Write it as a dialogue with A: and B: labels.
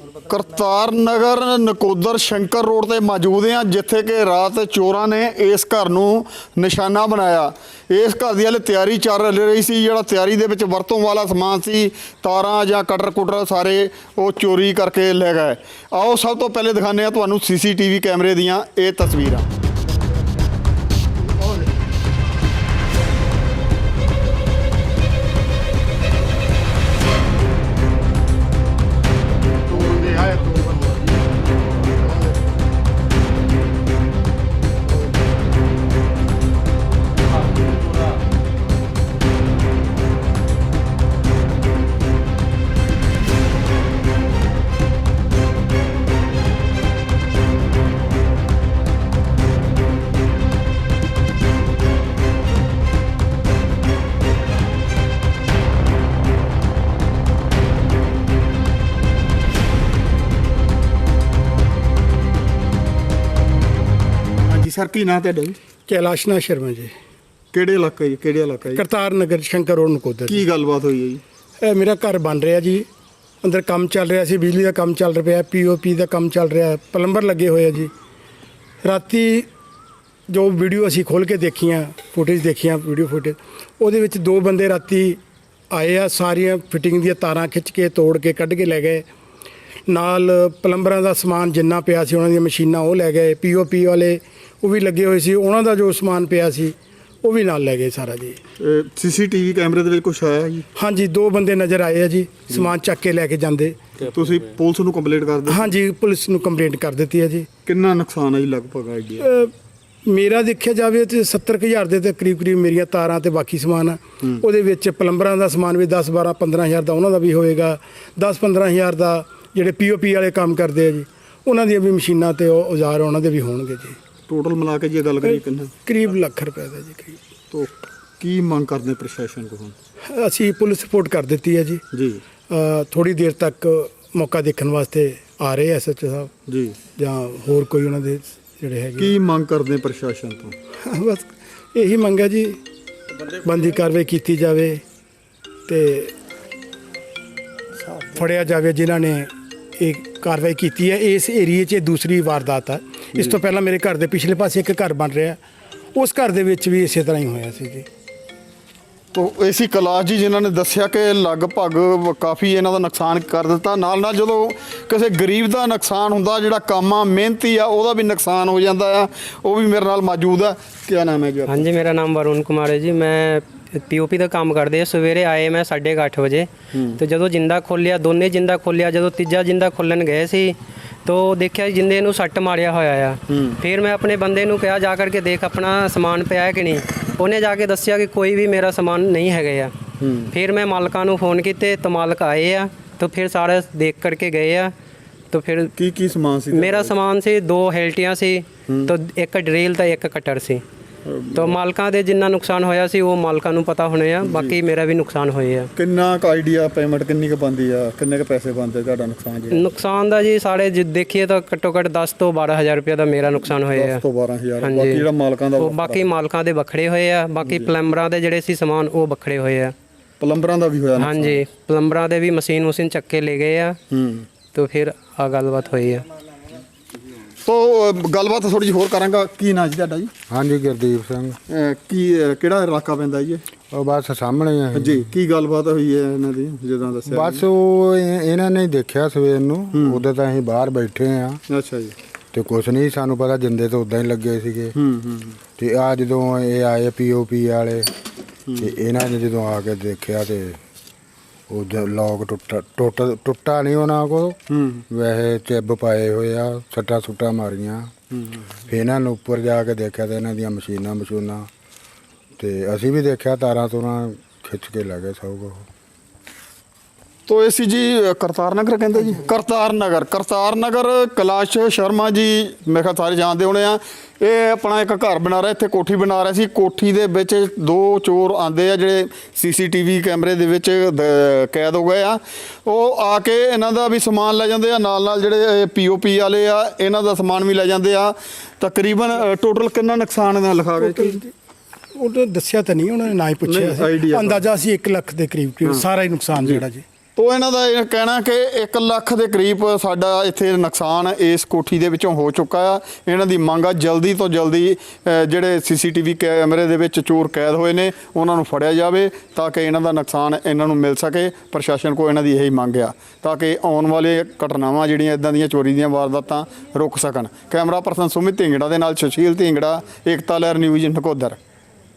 A: Kartar Nagar Nakodar Shankar road ਤੇ ਮੌਜੂਦ ਹਾਂ, ਜਿੱਥੇ ਕਿ ਰਾਤ ਚੋਰਾਂ ਨੇ ਇਸ ਘਰ ਨੂੰ ਨਿਸ਼ਾਨਾ ਬਣਾਇਆ। ਇਸ ਘਰ ਦੀ ਹਾਲੇ ਤਿਆਰੀ ਚੱਲ ਰਹੀ ਸੀ। ਜਿਹੜਾ ਤਿਆਰੀ ਦੇ ਵਿੱਚ ਵਰਤੋਂ ਵਾਲਾ ਸਮਾਨ ਸੀ, ਤਾਰਾਂ ਜਾਂ ਕਟਰ ਕੁਟਰ ਸਾਰੇ ਉਹ ਚੋਰੀ ਕਰਕੇ ਲੈ ਗਏ। ਆਓ ਸਭ ਤੋਂ ਪਹਿਲੇ ਦਿਖਾਉਂਦੇ ਹਾਂ ਤੁਹਾਨੂੰ CCTV ਕੈਮਰੇ ਦੀਆਂ ਇਹ ਤਸਵੀਰਾਂ। सर की नाम है?
B: कैलाशनाथ शर्मा जी।
A: ਕਿਹੜੇ ਇਲਾਕੇ ਕਿਹੜੇ ਇਲਾਕਾ ਜੀ?
B: करतार नगर शंकर रोड नकोदर।
A: ਕੀ ਗੱਲਬਾਤ ਹੋਈ ਹੈ ਜੀ?
B: ਇਹ ਮੇਰਾ ਘਰ ਬਣ ਰਿਹਾ ਜੀ, ਅੰਦਰ ਕੰਮ ਚੱਲ ਰਿਹਾ ਸੀ, ਬਿਜਲੀ ਦਾ ਕੰਮ ਚੱਲ ਰਿਹਾ, POP ਦਾ ਕੰਮ ਚੱਲ ਰਿਹਾ, ਪਲੰਬਰ ਲੱਗੇ ਹੋਏ ਆ ਜੀ। ਰਾਤੀ ਜੋ ਵੀਡੀਓ ਅਸੀਂ ਖੋਲ ਕੇ ਦੇਖੀਆਂ, ਫੁਟੇਜ ਦੇਖੀਆਂ, ਵੀਡੀਓ ਫੁਟੇਜ, ਉਹਦੇ ਵਿੱਚ ਦੋ ਬੰਦੇ ਰਾਤੀ ਆਏ ਆ, ਸਾਰੀਆਂ ਫਿਟਿੰਗ ਦੀਆਂ ਤਾਰਾਂ ਖਿੱਚ ਕੇ ਤੋੜ ਕੇ ਕੱਢ ਕੇ ਲੈ ਗਏ। ਨਾਲ ਪਲੰਬਰਾਂ ਦਾ ਸਮਾਨ ਜਿੰਨਾ ਪਿਆ ਸੀ, ਉਹਨਾਂ ਦੀਆਂ ਮਸ਼ੀਨਾਂ ਉਹ ਲੈ ਗਏ। POP ਵਾਲੇ ਉਹ ਵੀ ਲੱਗੇ ਹੋਏ ਸੀ, ਉਹਨਾਂ ਦਾ ਜੋ ਸਮਾਨ ਪਿਆ ਸੀ ਉਹ ਵੀ ਨਾਲ ਲੈ ਗਏ ਸਾਰਾ ਜੀ।
A: CCTV ਕੈਮਰੇ ਦੇ ਵਿੱਚ ਕੁਛ ਆਇਆ ਜੀ?
B: ਹਾਂਜੀ, ਦੋ ਬੰਦੇ ਨਜ਼ਰ ਆਏ ਆ ਜੀ, ਸਮਾਨ ਚੱਕ ਕੇ ਲੈ ਕੇ ਜਾਂਦੇ।
A: ਤੁਸੀਂ ਪੁਲਿਸ ਨੂੰ ਕੰਪਲੇਂਟ ਕਰ ਦਿੱਤੀ?
B: ਹਾਂਜੀ, ਪੁਲਿਸ ਨੂੰ ਕੰਪਲੇਂਟ ਕਰ ਦਿੱਤੀ ਹੈ ਜੀ।
A: ਕਿੰਨਾ ਨੁਕਸਾਨ ਹੈ ਜੀ ਲਗਭਗ ਆਈਡੀਆ?
B: ਮੇਰਾ ਦੇਖਿਆ ਜਾਵੇ ਤੇ 70,000 ਦੇ ਤੇ ਕਰੀਬ ਮੇਰੀਆਂ ਤਾਰਾਂ ਤੇ ਬਾਕੀ ਸਮਾਨ ਆ। ਉਹਦੇ ਵਿੱਚ ਪਲੰਬਰਾਂ ਦਾ ਸਮਾਨ ਵੀ 10, 12, 15,000 ਦਾ ਉਹਨਾਂ ਦਾ ਵੀ ਹੋਏਗਾ। 10, 15,000 ਦਾ ਜਿਹੜੇ POP ਵਾਲੇ ਕੰਮ ਕਰਦੇ ਆ ਜੀ, ਉਹਨਾਂ ਦੀਆਂ ਵੀ ਮਸ਼ੀਨਾਂ ਤੇ ਔਜ਼ਾਰ ਉਹਨਾਂ ਦੇ ਵੀ ਹੋਣਗੇ ਜੀ।
A: ਟੋਟਲ ਮਿਲਾ ਕੇ ਜੇ ਗੱਲ ਕਰੀਏ ਕਿੰਨਾ?
B: ਕਰੀਬ ਲੱਖ ਰੁਪਏ ਦਾ ਜੀ। ਕਰੀਬ
A: ਤੋ ਕੀ ਮੰਗ ਕਰਦੇ ਪ੍ਰਸ਼ਾਸਨ ਕੋਲ?
B: ਅਸੀਂ ਪੁਲਿਸ ਰਿਪੋਰਟ ਕਰ ਦਿੱਤੀ ਹੈ ਜੀ।
A: ਜੀ
B: ਥੋੜੀ ਦੇਰ ਤੱਕ ਮੌਕਾ ਦੇਖਣ ਵਾਸਤੇ ਆ ਰਹੇ SHO ਸਾਹਿਬ
A: ਜੀ,
B: ਜਾਂ ਹੋਰ ਕੋਈ ਉਹਨਾਂ ਦੇ ਜਿਹੜੇ ਹੈਗੇ।
A: ਕੀ ਮੰਗ ਕਰਦੇ ਪ੍ਰਸ਼ਾਸਨ ਤੋਂ?
B: ਬਸ ਇਹੀ ਮੰਗ ਹੈ ਜੀ, ਬੰਦੀ ਕਾਰਵਾਈ ਕੀਤੀ ਜਾਵੇ ਤੇ ਫੜਿਆ ਜਾਵੇ ਜਿਨ੍ਹਾਂ ਨੇ ਇਹ ਕਾਰਵਾਈ ਕੀਤੀ ਹੈ। ਇਸ ਏਰੀਏ 'ਚ ਦੂਸਰੀ ਵਾਰਦਾਤ ਹੈ। ਇਸ ਤੋਂ ਪਹਿਲਾਂ ਮੇਰੇ ਘਰ ਦੇ ਪਿਛਲੇ ਪਾਸੇ ਇੱਕ ਘਰ ਬਣ ਰਿਹਾ, ਉਸ ਘਰ ਦੇ ਵਿੱਚ ਵੀ ਇਸੇ ਤਰ੍ਹਾਂ ਹੀ ਹੋਇਆ ਸੀ ਜੀ।
A: ਤੋ ਏਸੀ ਕੈਲਾਸ਼ ਜੀ ਜਿਨ੍ਹਾਂ ਨੇ ਦੱਸਿਆ ਕਿ ਲਗਭਗ ਕਾਫੀ ਇਹਨਾਂ ਦਾ ਨੁਕਸਾਨ ਕਰ ਦਿੱਤਾ। ਨਾਲ ਨਾਲ ਜਦੋਂ ਕਿਸੇ ਗਰੀਬ ਦਾ ਨੁਕਸਾਨ ਹੁੰਦਾ, ਜਿਹੜਾ ਕੰਮ ਆ ਮਿਹਨਤੀ ਆ, ਉਹਦਾ ਵੀ ਨੁਕਸਾਨ ਹੋ ਜਾਂਦਾ ਆ। ਉਹ ਵੀ ਮੇਰੇ ਨਾਲ ਮੌਜੂਦ ਆ। ਕੀ ਨਾਮ ਹੈ ਜੀ?
C: ਹਾਂਜੀ, ਮੇਰਾ ਨਾਮ ਵरुण कुमार है जी। मैं POP ਦਾ ਕੰਮ ਕਰਦੇ ਆ। ਸਵੇਰੇ ਆਏ ਮੈਂ 8:30 ਵਜੇ ਤੇ ਜਦੋਂ ਜਿੰਦਾ ਖੋਲਿਆ, ਦੋਨੇ ਜਿੰਦਾ ਖੋਲਿਆ, ਜਦੋਂ ਤੀਜਾ ਜਿੰਦਾ ਖੋਲਣ ਗਏ ਸੀ ਤੋ ਦੇਖਿਆ ਜਿੰਦੇ ਨੂੰ ਸੱਟ ਮਾਰਿਆ ਹੋਇਆ ਆ। ਫਿਰ ਮੈਂ ਆਪਣੇ ਬੰਦੇ ਨੂੰ ਕਿਹਾ ਜਾ ਕਰਕੇ ਦੇਖ ਆਪਣਾ ਸਮਾਨ ਪਿਆ ਹੈ ਕਿ ਨਹੀਂ। ਉਹਨੇ ਜਾ ਕੇ ਦੱਸਿਆ ਕਿ ਕੋਈ ਵੀ ਮੇਰਾ ਸਮਾਨ ਨਹੀਂ ਹੈਗਾ ਆ। ਫਿਰ ਮੈਂ ਮਾਲਕਾਂ ਨੂੰ ਫੋਨ ਕੀਤੇ ਤਾਂ ਮਾਲਕ ਆਏ ਆ, ਤਾਂ ਫਿਰ ਸਾਰੇ ਦੇਖ ਕਰਕੇ ਗਏ ਆ। तो फिर
A: ਕੀ ਸਮਾਨ ਸੀ?
C: मेरा समान से 2 हेल्टियाँ सी, तो एक ड्रिल तो एक कटर सी। तो मालकां दे जिन्ना नुकसान होया सी वो मालकां नूं पता होने आ, बाकी मेरा भी नुकसान होया।
A: ਕਿੰਨਾ ਕ ਆਈਡੀਆ ਪੇਮੈਂਟ ਕਿੰਨੀ ਕ ਬੰਦੀ ਆ? ਕਿੰਨੇ ਕ ਪੈਸੇ ਬੰਦੇ ਤੁਹਾਡਾ ਨੁਕਸਾਨ ਜੀ?
C: नुकसान दा जी साढ़े देखिए तो घट्टो घट्ट 10 तो 12,000 रुपये का मेरा नुकसान होया।
A: 10 ਤੋਂ 12,000। ਬਾਕੀ ਜਿਹੜਾ ਮਾਲਕਾਂ ਦਾ?
C: बाकी मालकां दे बखड़े होए आ, बाकी प्लंबरां दे जिहड़े सी समान वो बखड़े होए आ।
A: ਪਲੰਬਰਾਂ ਦਾ ਵੀ ਹੋਇਆ?
C: हाँ जी, प्लंबरां दे भी मशीन चक के ले गए आ। तो फिर आ गलबात हुई है।
A: तो गलबात थोड़ी जी होर करांगा। की नाम जी ਤੁਹਾਡਾ ਜੀ?
D: ਹਾਂਜੀ, ਗੁਰਦੀਪ ਸਿੰਘ।
A: ਕੀ ਕਿਹੜਾ ਇਲਾਕਾ ਪੈਂਦਾ ਜੀ?
D: ਉਹ ਬਸ ਸਾਹਮਣੇ ਹੀ ਹੈ
A: ਜੀ। ਕੀ ਗੱਲਬਾਤ ਹੋਈ ਹੈ ਇਹਨਾਂ ਦੀ ਜਦੋਂ ਦੱਸਿਆ?
D: ਬਸ ਉਹ ਇਹਨਾਂ ਨੇ ਦੇਖਿਆ ਸਵੇਰ ਨੂੰ, ਉਦੋਂ ਤਾਂ ਅਸੀਂ ਬਾਹਰ ਬੈਠੇ ਆ।
A: ਅੱਛਾ ਜੀ।
D: ਤੇ ਕੁਛ ਨਹੀਂ ਸਾਨੂੰ ਪਤਾ, ਜਿੰਦੇ ਤਾਂ ਉਦਾਂ ਹੀ ਲੱਗੇ ਸੀਗੇ। ਤੇ ਆ ਜਦੋਂ ਇਹ ਆਏ POP ਵਾਲੇ ਤੇ ਇਹਨਾਂ ਨੇ ਜਦੋਂ ਆ ਕੇ ਦੇਖਿਆ ਤੇ ਉਹ ਲੋਕ ਟੁੱਟਾ ਨਹੀਂ ਉਹਨਾਂ ਕੋਲ, ਵੈਸੇ ਚਿੱਬ ਪਾਏ ਹੋਏ ਆ, ਸੱਟਾਂ ਸੁੱਟਾਂ ਮਾਰੀਆਂ। ਫਿਰ ਇਹਨਾਂ ਨੂੰ ਉੱਪਰ ਜਾ ਕੇ ਦੇਖਿਆ ਤੇ ਇਹਨਾਂ ਦੀਆਂ ਮਸ਼ੀਨਾਂ ਤੇ ਅਸੀਂ ਵੀ ਦੇਖਿਆ, ਤਾਰਾਂ ਤੂਰਾਂ ਖਿੱਚ ਕੇ ਲੈ ਗਏ ਸਭ ਕੁਛ।
A: तो ऐसी जी करतार नगर कहते जी? करतार नगर कैलाश शर्मा जी मैं ख्याल सारे जानते होने आ। ये अपना एक घर बना रहा, इत्थे कोठी बना रहा सी। कोठी दे विच 2 चोर आंदे आ जिहड़े CCTV कैमरे दे विच कैद हो गए आ। ਉਹ ਆ ਕੇ ਇਹਨਾਂ ਦਾ ਵੀ ਸਮਾਨ ਲੈ ਜਾਂਦੇ ਆ, ਨਾਲ ਜਿਹੜੇ POP ਵਾਲੇ ਆ ਇਹਨਾਂ ਦਾ ਸਮਾਨ ਵੀ ਲੈ ਜਾਂਦੇ ਆ। ਤਕਰੀਬਨ ਟੋਟਲ ਕਿੰਨਾ ਨੁਕਸਾਨ ਇਹਨਾਂ ਲਿਖਾ ਗਏ?
B: ਉਹ ਤਾਂ ਦੱਸਿਆ ਤਾਂ ਨਹੀਂ ਉਹਨਾਂ ਨੇ, ਨਾ ਹੀ ਪੁੱਛਿਆ। ਅੰਦਾਜ਼ਾ ਸੀ 1 ਲੱਖ ਦੇ ਕਰੀਬ ਸਾਰਾ ਹੀ ਨੁਕਸਾਨ ਜਿਹੜਾ ਜੀ।
A: ਤੋ ਇਹਨਾਂ ਦਾ ਇਹ ਕਹਿਣਾ ਕਿ 1 ਲੱਖ ਦੇ ਕਰੀਬ ਸਾਡਾ ਇੱਥੇ ਨੁਕਸਾਨ ਇਸ ਕੋਠੀ ਦੇ ਵਿੱਚੋਂ ਹੋ ਚੁੱਕਾ ਆ। ਇਹਨਾਂ ਦੀ ਮੰਗ ਆ ਜਲਦੀ ਤੋਂ ਜਲਦੀ ਜਿਹੜੇ CCTV ਕੈਮਰੇ ਦੇ ਵਿੱਚ ਚੋਰ ਕੈਦ ਹੋਏ ਨੇ ਉਹਨਾਂ ਨੂੰ ਫੜਿਆ ਜਾਵੇ ਤਾਂ ਕਿ ਇਹਨਾਂ ਦਾ ਨੁਕਸਾਨ ਇਹਨਾਂ ਨੂੰ ਮਿਲ ਸਕੇ। ਪ੍ਰਸ਼ਾਸਨ ਕੋਲ ਇਹਨਾਂ ਦੀ ਇਹੀ ਮੰਗ ਆ ਤਾਂ ਕਿ ਆਉਣ ਵਾਲੇ ਘਟਨਾਵਾਂ ਜਿਹੜੀਆਂ ਇਦਾਂ ਦੀਆਂ ਚੋਰੀ ਦੀਆਂ ਵਾਰਦਾਤਾਂ ਰੁਕ ਸਕਣ। ਕੈਮਰਾ ਪਰਸਨ ਸੁਮਿਤ ਢਿੰਗੜਾ ਦੇ ਨਾਲ ਸੁਸ਼ੀਲ ਢਿੰਗੜਾ, ਏਕਤਾ ਲਹਿਰ ਨਿਊਜ਼ ਨਕੋਦਰ।